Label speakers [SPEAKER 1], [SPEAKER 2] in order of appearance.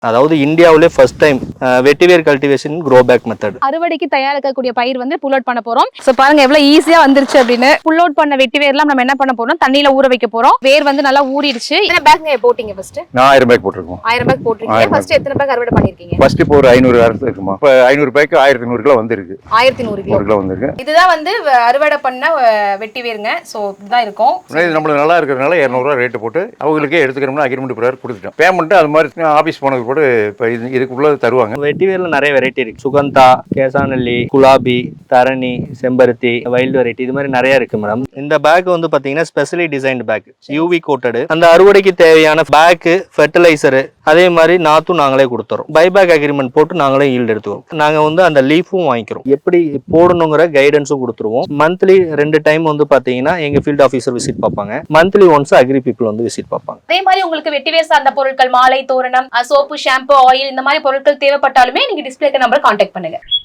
[SPEAKER 1] அதாவது இந்தியாவிலே first time வெட்டிவேர் கல்டிவேஷன் க்ரோ பேக் மெத்தட்.
[SPEAKER 2] அறுவடைக்கு தயாரிக்கக்கூடிய பயிர் வந்து புல் அவுட் பண்ண போறோம். சோ பாருங்க எவ்வளவு ஈஸியா வந்துருச்சு அப்படின்னு. புல் அவுட் பண்ண வெட்டிவேர்லாம் நம்ம என்ன பண்ண போறோம், தண்ணியில ஊற வைக்க போறோம். வேர் வந்து நல்லா ஊறிடுச்சு. எத்தனை பேக்ங்க போட்டீங்க ஃபர்ஸ்ட்?
[SPEAKER 3] நான் 1000 பேக் போட்டுருக்கோம்.
[SPEAKER 2] 1000 பேக் போட்டுருக்கீங்க. ஃபர்ஸ்ட் எத்தனை பேக் அறுவடை பண்ணிருக்கீங்க?
[SPEAKER 3] ஃபர்ஸ்ட் இப்போ ஒரு 500 அறுத்து இருக்குமா. இப்போ 500 பேக் 1100 கிலோ வந்திருக்கு.
[SPEAKER 2] 1100
[SPEAKER 3] கிலோ வந்திருக்கு.
[SPEAKER 2] இதுதான் வந்து அறுவடை பண்ண வெட்டிவேருங்க. சோ இதுதான் இருக்கும்.
[SPEAKER 3] இது நம்மளுக்கு நல்லா இருக்கிறதுனால 200 ரூபா ரேட் போட்டு அவங்களுக்கே எடுத்துக்கிறோம்னா அக்ரிமெண்ட் பிரகாரம் கொடுத்துட்டோம். பேமெண்ட் அது மாதிரி ஆபீஸ் போனது கூட இப்போ இதுக்குள்ள தருவாங்க.
[SPEAKER 1] வெட்டிவேர்ல நிறைய வெரைட்டி இருக்கு. சுகந்தா, கேசானல்லி, குலாபி, தரணி, செம்பருத்தி, வைல்டு வெரைட்டி, இது மாதிரி நிறைய இருக்கு மேடம். இந்த பேக் வந்து பாத்தீங்கன்னா specially designed bag, UV coated. அந்த அறுவடைக்கு தேவையான பேக், ஃபெர்டிலைசர், அதே மாதிரி நாத்தும் நாங்களே கொடுத்துறோம். பைபேக் அக்ரிமெண்ட் போட்டு நாங்களே ஈல்டு எடுத்துவோம். நாங்க வந்து அந்த லீஃபும் வாங்கிக்கிறோம். எப்படி போடணுங்கிற கைடன்ஸும் கொடுத்துருவோம். மந்த்லி 2 டைம் வந்து பாத்தீங்கன்னா எங்க ஃபீல்ட் ஆஃபீஸர் விசிட் பார்ப்பாங்க. மந்த்லி ஒன்ஸ் அக்ரி பீப்புள் வந்து விசிட் பார்ப்பாங்க.
[SPEAKER 2] அதே மாதிரி உங்களுக்கு வெட்டிவேர் சார்ந்த பொருட்கள், மாலை, தோரணம், சோப்பு, ஷாம்பு, ஆயில், இந்த மாதிரி பொருட்கள் தேவைப்பட்டாலுமே நீங்க டிஸ்பிளேக்கு நம்பர் கான்டாக்ட் பண்ணுங்க.